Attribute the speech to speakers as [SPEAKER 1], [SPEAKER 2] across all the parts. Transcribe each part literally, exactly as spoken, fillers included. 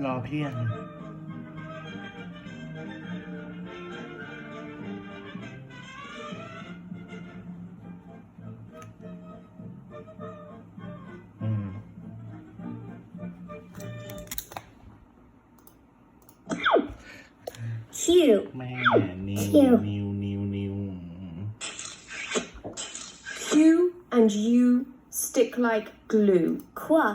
[SPEAKER 1] รอเพี้ยนอืม
[SPEAKER 2] Q
[SPEAKER 1] แม่นิว
[SPEAKER 2] Q
[SPEAKER 1] นิวนิวนิว
[SPEAKER 2] Q and U stick like glue. Qua.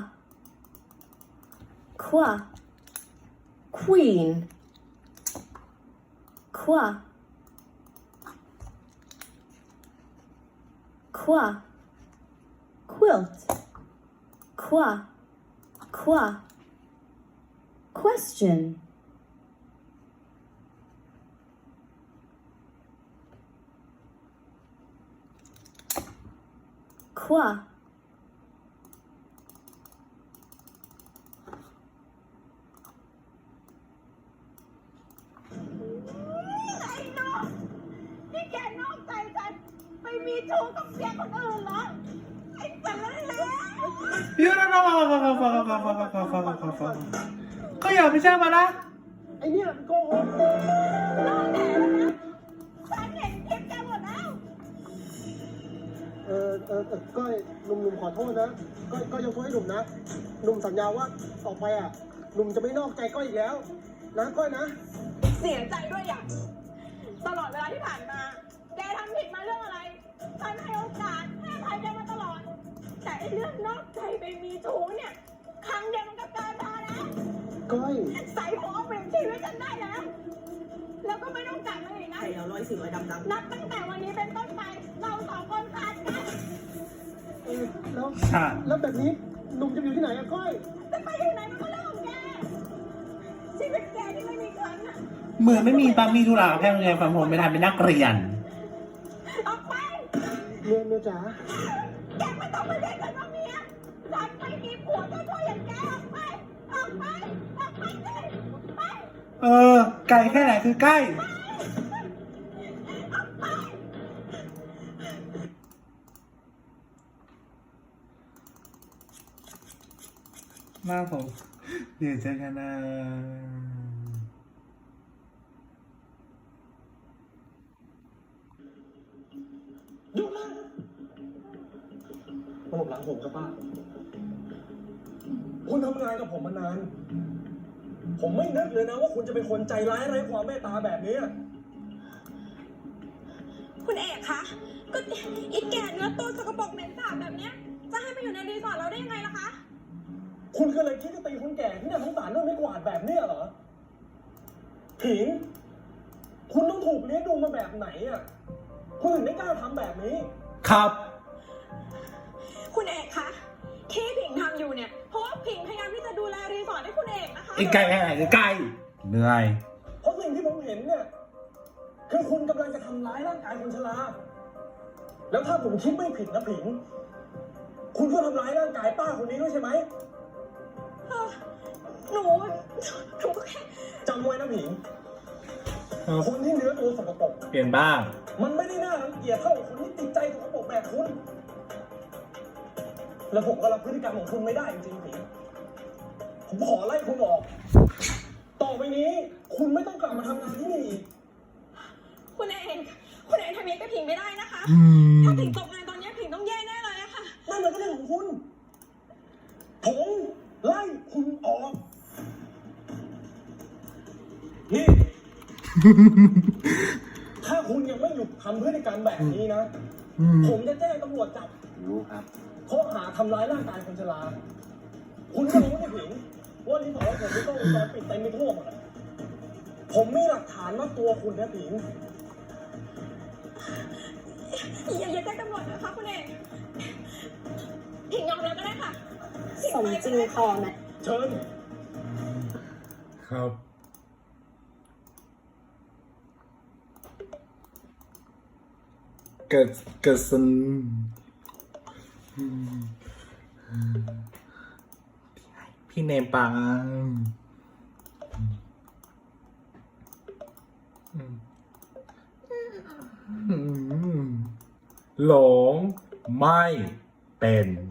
[SPEAKER 2] Qua. Queen. Qua. Qua. Quilt. Qua. Qua. Question. Qua.
[SPEAKER 3] นี่แกนอกใจฉันไปมีชู้กับเสียคนอื่นเหรอไอ้สารเลว
[SPEAKER 1] เดี๋ยวนะฟังฟังฟังฟังฟังฟังฟังฟังฟังฟังฟังก็อย่าไปแช่งมันนะ
[SPEAKER 4] ไอเนี่ยมันโกหก
[SPEAKER 3] นอกแต่แล้วนะฉันเห็นคลิปแกหมดแล้ว
[SPEAKER 4] เออเออเออก้อยหนุ่มหนุ่มขอโทษนะก้อยก้อยยกโทษให้หนุ่มนะหนุ่มสัญญาว่าต่อไปอ่ะหนุ่มจะไม่นอกใจก้อยอีกแล้วนะก้อยนะ
[SPEAKER 3] เสียใจด้วยอย่างตลอดเวลาที่ผ่านมา แกทำผิดมาเรื่องอะไร ฉันให้โอกาสให้อภัยแกมาตลอด แต่ไอ้เรื่องนอกใจไปมีชู้เนี่ย ครั้งเดียวมันก็เกินพอแล้ว
[SPEAKER 4] ก้อย
[SPEAKER 3] ใส่หัวเปลี่ยนชีวิตฉันได้แล้ว แล้วก็ไม่ต้องกลับมาอีกนะ
[SPEAKER 5] ไข่เราร้อยสีร้อยดำดำ
[SPEAKER 3] นับตั้งแต่วันนี้เป็นต้นไป เราสองคนขาดกัน
[SPEAKER 4] เออแล้ว
[SPEAKER 1] ค่ะ
[SPEAKER 4] แล้วแบบนี้หนุ่มจะอยู่ที่ไหนอะก้อย
[SPEAKER 3] จะไปอยู่ไหนมันก็เรื่องของแก ชีวิตแกที่ไม่มีฉันน่ะ
[SPEAKER 1] เหมือนไม่มีตามมีธุระแค่โรงเรียนฟังผมไม่ทันเป็นนักเรียน
[SPEAKER 3] ออกไป
[SPEAKER 4] เมียเมียจ๋า
[SPEAKER 3] แกไม่ต้องมาเรียกฉันว่าเมียฉันไม่มีผัวเจ้าช่วยอย่างแกออกไป ออกไป ออกไปสิไป
[SPEAKER 1] เออ ไกลแค่ไหนคือใกล้
[SPEAKER 3] ออกไป
[SPEAKER 1] หน้าผมเดี๋ยวเจอกันนะ
[SPEAKER 4] หยุดเลยมาหลบหลังผมครับป้าคุณทำงานกับผมมานาน ผมไม่นึกเลยนะว่าคุณจะเป็นคนใจร้ายไร้ความเมตตาแบบนี้
[SPEAKER 3] คุณเอกคะ ก็อีกแก่เนื้อตัวสกปรกเหม็นสาบแบบเนี้ย จะให้มาอยู่ในรีสอร์ทเราได้ยังไงล่ะคะ
[SPEAKER 4] คุณก็เลยคิดจะตีคนแก่ที่เนี่ยสงสารด้วยไม่กวาดแบบเนี้ยเหรอผิง คุณต้องถูกเลี้ยงดูมาแบบไหนอ่ะ คุณถึงไม่กล้าทำแบบนี้
[SPEAKER 1] ครับ
[SPEAKER 3] คุณเอกคะ ที่ผิงทำอยู่เนี่ย เพราะว่าผิงพยายามที่จะดูแลรีสอร์ทให้คุณเอกนะคะ
[SPEAKER 1] อีกไกลแค่ไหนคือใกล้เหนื่อย
[SPEAKER 4] เพราะสิ่งที่ผมเห็นเนี่ย คือคุณกำลังจะทำร้ายร่างกายคนชรา แล้วถ้าผมคิดไม่ผิดนะผิง คุณก็ทำร้ายร่างกายป้าคนนี้ด้วยใช่ไหม
[SPEAKER 3] เออหนูหนูก็แค่
[SPEAKER 4] จำไว้นะผิง คนที่เนื้อตัวสกปรก
[SPEAKER 1] เปลี่ยนบ้าง
[SPEAKER 4] มันไม่ได้น่ารังเกียจเท่าคนที่ติดใจสกปรกแบบคุณ แล้วผมก็รับพฤติกรรมของคุณไม่ได้จริงๆผิง ผมขอไล่คุณออก ต่อไปนี้ คุณไม่ต้องกลับมาทำงานที่นี่อีก
[SPEAKER 3] คุณเอกคุณเอกทำอย่างนี้กับผิงไม่ได้นะคะ
[SPEAKER 1] อืม
[SPEAKER 3] ถ้าผิงตกงานตอนนี้ผิงต้องแย่แน่เลยอะค่ะ
[SPEAKER 4] นั่นมันก็เรื่องของคุณ ผมไล่คุณออก นี่ ถ้าคุณยังไม่หยุดทำพฤติกรรมแบบนี้นะ ผมจะแจ้งตำรวจจับ
[SPEAKER 1] รู้ครับ
[SPEAKER 4] ข้อหาทำร้ายร่างกายคนชรา คุณก็รู้ไม่ถึงว่ารีสอร์ทผมไม่ต้องวงจรปิดเต็มไปทั่วหมดอะผมมีหลักฐานว่าตัวคุณนะผิง
[SPEAKER 3] อย่าอย่าแจ้งตำรวจนะคะคุณเอกผิงยอมแล้วก็ได้ค่ะ
[SPEAKER 2] สมจริงพอไหม
[SPEAKER 4] เชิญ
[SPEAKER 1] ครับเกิดเกิดสนพี่เนปังหลงไม่เป็น